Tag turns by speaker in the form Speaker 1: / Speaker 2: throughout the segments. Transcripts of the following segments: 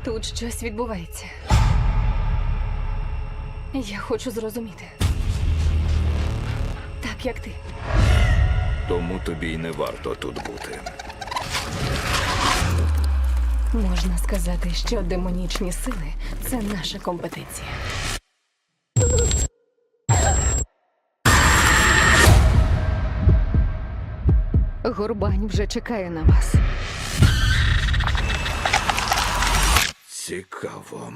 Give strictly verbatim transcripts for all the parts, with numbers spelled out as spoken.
Speaker 1: Тут щось відбувається. Я хочу зрозуміти. Так, як ти.
Speaker 2: Тому тобі й не варто тут бути.
Speaker 1: Можна сказати, що демонічні сили – це наша компетенція. Горбань вже чекає на вас.
Speaker 2: Цікаво.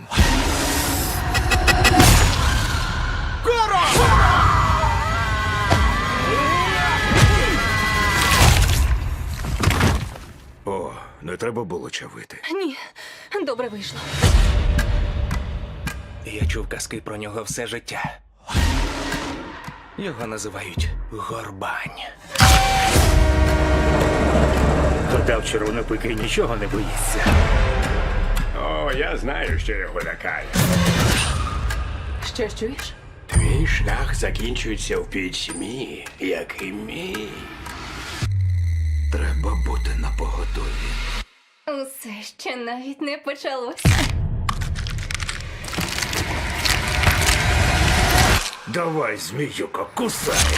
Speaker 2: О, не треба було чавити.
Speaker 1: Ні, добре вийшло.
Speaker 3: Я чув казки про нього все життя. Його називають Горбань.
Speaker 4: Подав червонопики нічого не боїться.
Speaker 5: О, я знаю, що його лякає.
Speaker 1: Що чуєш?
Speaker 5: Твій шлях закінчується в пітьмі, як і мій.
Speaker 2: Треба бути напоготові.
Speaker 1: Усе ще навіть не почалося.
Speaker 2: Давай, зміюко, кусай!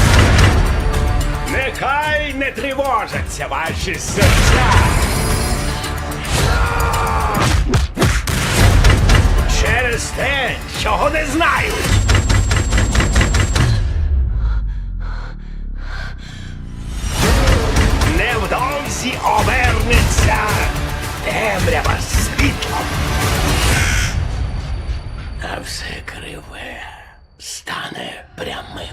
Speaker 5: Нехай не тривожаться ваші серця. Через те, чого не знають. Невдовзі обернеться темрява світлом. А все криве стане прямим.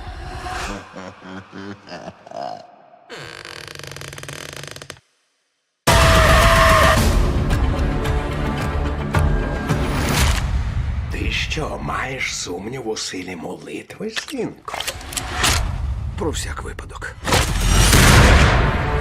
Speaker 5: Ти що, маєш сумнів у силі молитви, синку?
Speaker 2: Про всяк випадок.